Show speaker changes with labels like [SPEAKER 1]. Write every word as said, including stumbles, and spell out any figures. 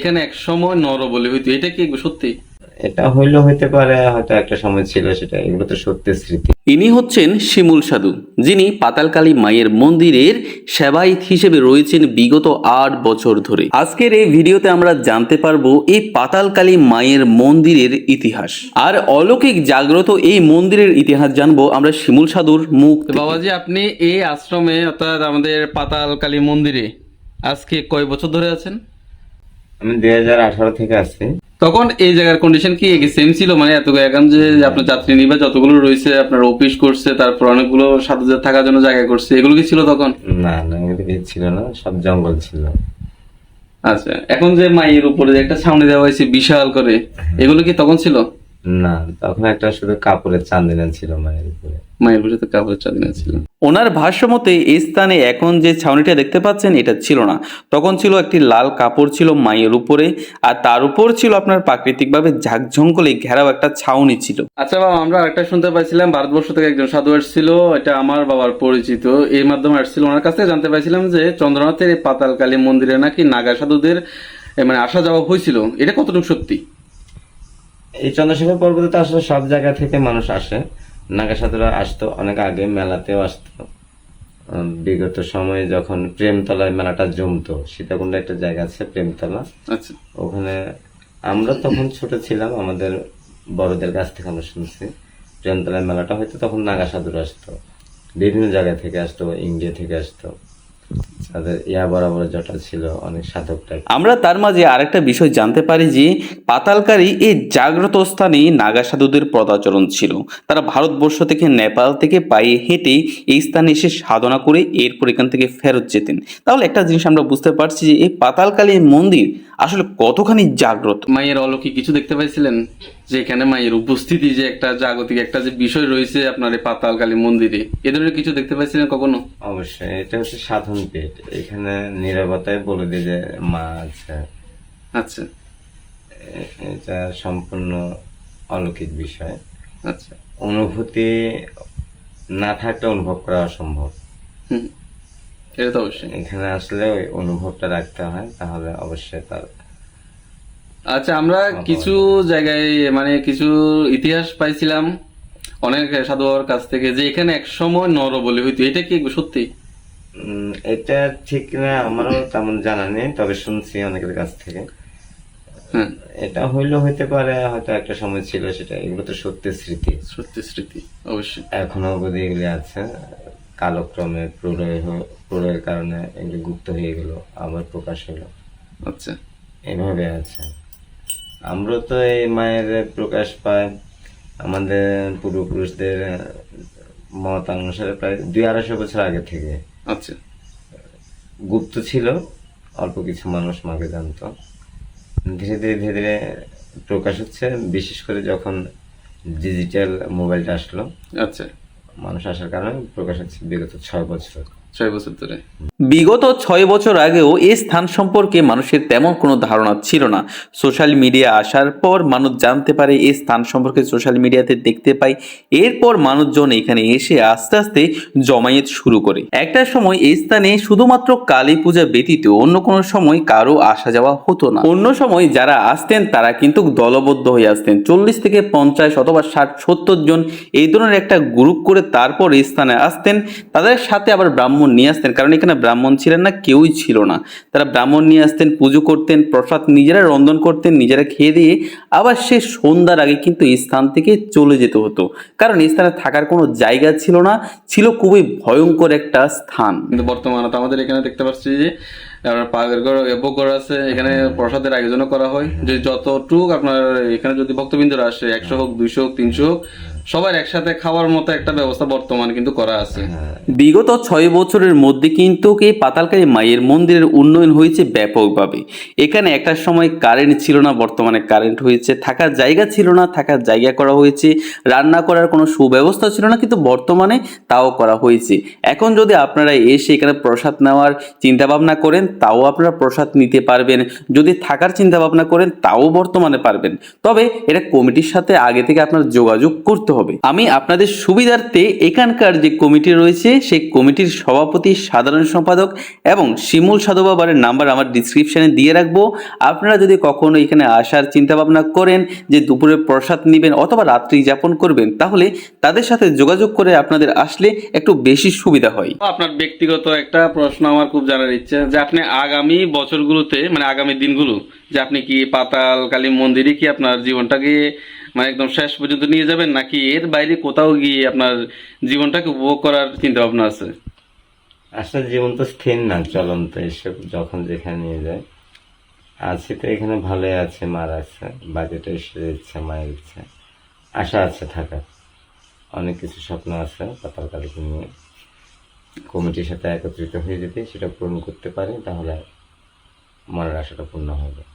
[SPEAKER 1] এখানে এক সময় নরবলি হইতো, এটা কি সত্যি?
[SPEAKER 2] এটা হইলেও হইতে পারে, হয়তো একটা সময় ছিল সেটা, এগুলো তো সত্যি স্মৃতি।
[SPEAKER 3] ইনি হচ্ছেন শিমুল সাধু, যিনি পাতালকালী মায়ের মন্দিরের সেবায়িত হিসেবে রয়েছেন বিগত আট বছর ধরে। আজকের এই ভিডিওতে আমরা জানতে পারবো এই পাতালকালী মায়ের মন্দিরের ইতিহাস আর অলৌকিক জাগ্রত এই মন্দিরের ইতিহাস জানবো আমরা শিমুল সাধুর মুখ
[SPEAKER 1] তো
[SPEAKER 3] থেকে।
[SPEAKER 1] বাবাজি, আপনি এই আশ্রমে অর্থাৎ আমাদের পাতালকালী মন্দিরে আজকে কয় বছর ধরে আছেন?
[SPEAKER 2] আমি দুই হাজার আঠারো থেকে আছি।
[SPEAKER 1] তখন এই জায়গার কন্ডিশন কি সেম ছিল? মানে এত এখন যে আপনার যাত্রী নিবাস যতগুলো রয়েছে, আপনার অফিস করছে, তারপর অনেকগুলো সাধুদের থাকার জন্য জায়গা করছে, এগুলো কি ছিল তখন?
[SPEAKER 2] না না, এগুলো কিছু ছিল না, সব জঙ্গল ছিল।
[SPEAKER 1] আচ্ছা, এখন যে মায়ের উপরে যে একটা ছাউনি দেওয়া হয়েছে বিশাল করে, এগুলো কি তখন ছিল?
[SPEAKER 2] না, তখন একটা শুধু কাপড়ের চান্দিনা ছিল মায়ের উপরে।
[SPEAKER 1] মায়ের উপরে তো কাপড়ের চাঁদিনা ছিল।
[SPEAKER 3] ওনার ভাষ্য মতে এই স্থানে এখন যে ছাউনিটা দেখতে পাচ্ছেন এটা ছিল না, তখন ছিল একটি লাল কাপড় ছিল মায়ের উপরে, আর তার উপর ছিল আপনার প্রাকৃতিকভাবে ঝাঁকঝঙ্কলে ঘেরাও একটা ছাউনি ছিল।
[SPEAKER 1] আচ্ছা বাবা, আমরা একটা শুনতে পাইছিলাম ভারতবর্ষ থেকে একজন সাধু আসছিল, এটা আমার বাবার পরিচিত, এই মাধ্যমে আসছিল। ওনার কাছে জানতে পাইছিলাম যে চন্দ্রনাথের এই পাতালকালী মন্দিরে নাকি নাগা সাধুদের এ, মানে আসা যাওয়া হয়েছিল, এটা কতটুকু সত্যি?
[SPEAKER 2] এই চন্দ্রশেখর পর্বতে তো আসলে সব জায়গা থেকে মানুষ আসে। নাগা সাধুরা আসতো অনেক আগে, মেলাতেও আসতো। উম, বিগত সময়ে যখন প্রেমতলায় মেলাটা জমতো, সীতাকুণ্ডে একটা জায়গা আছে প্রেমতলা,
[SPEAKER 1] আচ্ছা,
[SPEAKER 2] ওখানে আমরা তখন ছোট ছিলাম, আমাদের বড়দের কাছ থেকে আমরা শুনছি প্রেমতলায় মেলাটা হয়তো তখন নাগা সাধুরা আসতো, বিভিন্ন জায়গা থেকে আসতো, ইন্ডিয়া থেকে আসতো। তাদের ইয়া বরাবর জটা ছিল, অনেক সাধক টাইপ।
[SPEAKER 3] আমরা তার মাঝে আরেকটা বিষয় জানতে পারি যে পাতালকারী এই জাগ্রত স্থানে নাগা সাধুদের পদাচরণ ছিল। তারা ভারতবর্ষ থেকে নেপাল থেকে পায়ে হেঁটে এই স্থানে এসে সাধনা করে এরপর এখান থেকে ফেরত যেতেন। তাহলে একটা জিনিস আমরা বুঝতে পারছি যে এই পাতালকালী মন্দির আসলে কতখানি জাগ্রত।
[SPEAKER 1] মায়ের অলৌকিক কিছু দেখতে পাইছিলেন? যে এখানে মায়ের উপস্থিতি, যে একটা জাগতিক একটা যে বিষয় রয়েছে আপনার এই পাতালকালী মন্দিরে, এ ধরনের কিছু দেখতে পাইছিলেন কখনো?
[SPEAKER 2] অবশ্যই, এটা হচ্ছে সাধন পেট, এখানে নীরবতায় বলে দিয়ে যে মা আছে।
[SPEAKER 1] আচ্ছা
[SPEAKER 2] এ- এটা সম্পূর্ণ অলৌকিক বিষয়।
[SPEAKER 1] আচ্ছা,
[SPEAKER 2] অনুভূতি না থাকলে অনুভব করা অসম্ভব।
[SPEAKER 1] হুম, এটা তো অবশ্যই।
[SPEAKER 2] এখানে আসলে ওই অনুভবটা রাখতে হয়, তাহলে অবশ্যই তার।
[SPEAKER 1] আচ্ছা, আমরা কিছু জায়গায় মানে কিছু ইতিহাস পাইছিলাম অনেক সাধু বাবার কাছ থেকে যে এখানে এক সময় নরবলি হইতো, এটা কি সত্যি?
[SPEAKER 2] উম, এটা ঠিক না, আমারও তেমন জানা নেই, তবে শুনছি অনেকের কাছ থেকে।
[SPEAKER 1] হ্যাঁ,
[SPEAKER 2] এটা হইলেও হইতে পারে, হয়তো একটা সময় ছিল সেটা, এগুলো তো সত্যি স্মৃতি।
[SPEAKER 1] সত্যি স্মৃতি অবশ্যই।
[SPEAKER 2] এখনো অবধি এগুলি আছে, কালক্রমে প্রলয় হ- প্রলয়ের কারণে এগুলি গুপ্ত হয়ে গেল, আবার প্রকাশ হলো,
[SPEAKER 1] আচ্ছা,
[SPEAKER 2] এভাবে আছে। আমরা তো এই মায়ের প্রকাশ পাই আমাদের পূর্বপুরুষদের মত অনুসারে প্রায় দুই আড়াইশো বছর আগে থেকে।
[SPEAKER 1] আচ্ছা,
[SPEAKER 2] গুপ্ত ছিল, অল্প কিছু মানুষ মাকে জানতো, ধীরে ধীরে ধীরে ধীরে প্রকাশ হচ্ছে, বিশেষ করে যখন ডিজিটাল মোবাইলটা আসলো,
[SPEAKER 1] আচ্ছা,
[SPEAKER 2] মানুষ আসার কারণে প্রকাশ হচ্ছে বিগত ছয় বছর।
[SPEAKER 1] ছয় বছর ধরে।
[SPEAKER 3] বিগত ছয় বছর আগেও এই স্থান সম্পর্কে মানুষের তেমন কোনো ধারণা ছিল না। সোশ্যাল মিডিয়া আসার পর মানুষ জানতে পারে এই স্থান সম্পর্কে, সোশ্যাল মিডিয়াতে দেখতে পাই, এরপর মানুষজন এখানে এসে আস্তে আস্তে জমায়েত শুরু করে। একটা সময় এই স্থানে শুধুমাত্র কালী পূজা ব্যতীত অন্য কোনো সময় কারো আসা যাওয়া হতো না। অন্য সময় যারা আসতেন তারা কিন্তু দলবদ্ধ হয়ে আসতেন, চল্লিশ থেকে পঞ্চাশ অথবা ষাট সত্তর জন এই ধরনের একটা গ্রুপ করে তারপর এই স্থানে আসতেন। তাদের সাথে আবার ব্রাহ্মণ নিয়ে আসতেন, কারণ এখানে ব্রাহ্মণ ছিলেন না, কেউই ছিল না। তারা ব্রাহ্মণ নিয়ে আসতেন, পুজো করতেন, প্রসাদ নিজেরা রন্ধন করতেন, নিজেরা খেয়ে দিয়ে আবার সে সন্ধ্যার আগে কিন্তু এই স্থান থেকে চলে যেতে হতো, কারণ এই স্থানে থাকার কোনো জায়গা ছিল না, ছিল খুবই ভয়ঙ্কর একটা স্থান।
[SPEAKER 1] কিন্তু বর্তমানে তো আমাদের এখানে দেখতে পাচ্ছি যে আপনার পাগের ঘর এবঘর আছে, এখানে প্রসাদের আয়োজনও করা হয়, যে যতটুক আপনার এখানে যদি ভক্তবৃন্দরা আসে, একশো হোক, দুইশো হোক, তিনশো হোক, সবার একসাথে খাওয়ার মতো একটা ব্যবস্থা বর্তমানে কিন্তু করা আছে।
[SPEAKER 3] বিগত ছয় বছরের মধ্যে কিন্তু এই পাতালকালী মায়ের মন্দিরের উন্নয়ন হয়েছে ব্যাপকভাবে। এখানে একটা সময় কারেন্ট ছিল না, বর্তমানে কারেন্ট হয়েছে। থাকার জায়গা ছিল না, থাকার জায়গা করা হয়েছে। রান্না করার কোনো সুব্যবস্থা ছিল না, কিন্তু বর্তমানে তাও করা হয়েছে। এখন যদি আপনারা এসে এখানে প্রসাদ নেওয়ার চিন্তা ভাবনা করেন, তাও আপনারা প্রসাদ নিতে পারবেন। যদি থাকার চিন্তা ভাবনা করেন, তাও বর্তমানে পারবেন। তবে এটা কমিটির সাথে আগে থেকে আপনার যোগাযোগ করতে হবে। আমি আপনাদের সুবিধার্থে এখানকার যে কমিটি রয়েছে সেই কমিটির সভাপতি, সাধারণ সম্পাদক এবং শিমুল সাধু বাবার নাম্বার আমার ডিসক্রিপশনে দিয়ে রাখবো। আপনারা যদি কখনো এখানে আসার চিন্তা ভাবনা করেন যে দুপুরে প্রসাদ নেবেন অথবা রাত্রি যাপন করবেন, তাহলে তাদের সাথে যোগাযোগ করে আপনাদের আসলে একটু বেশি সুবিধা হয়।
[SPEAKER 1] আপনার ব্যক্তিগত একটা প্রশ্ন আমার খুব জানার ইচ্ছে যে আপনি আগামী বছরগুলোতে মানে আগামী দিনগুলো যে আপনি কি পাতাল কালী মন্দিরে কি আপনার জীবনটাকে মানে একদম শেষ পর্যন্ত নিয়ে যাবেন, নাকি এর বাইরে কোথাও গিয়ে আপনার জীবনটাকে উপভোগ করার চিন্তা ভাবনা আছে?
[SPEAKER 2] আসলে জীবন তো স্থির না, চলন্ত, এসব যখন যেখানে নিয়ে যায়। আছি তো এখানে ভালোই আছে, মার আছে, বাজেট ঈশ্বরের ইচ্ছা, মায়ের ইচ্ছা, আশা আছে থাকার, অনেক কিছু স্বপ্ন আছে পাতাল কালীকে নিয়ে। কমিটির সাথে একত্রিত হয়ে যদি সেটা পূরণ করতে পারি তাহলে মনের আশাটা পূর্ণ হবে।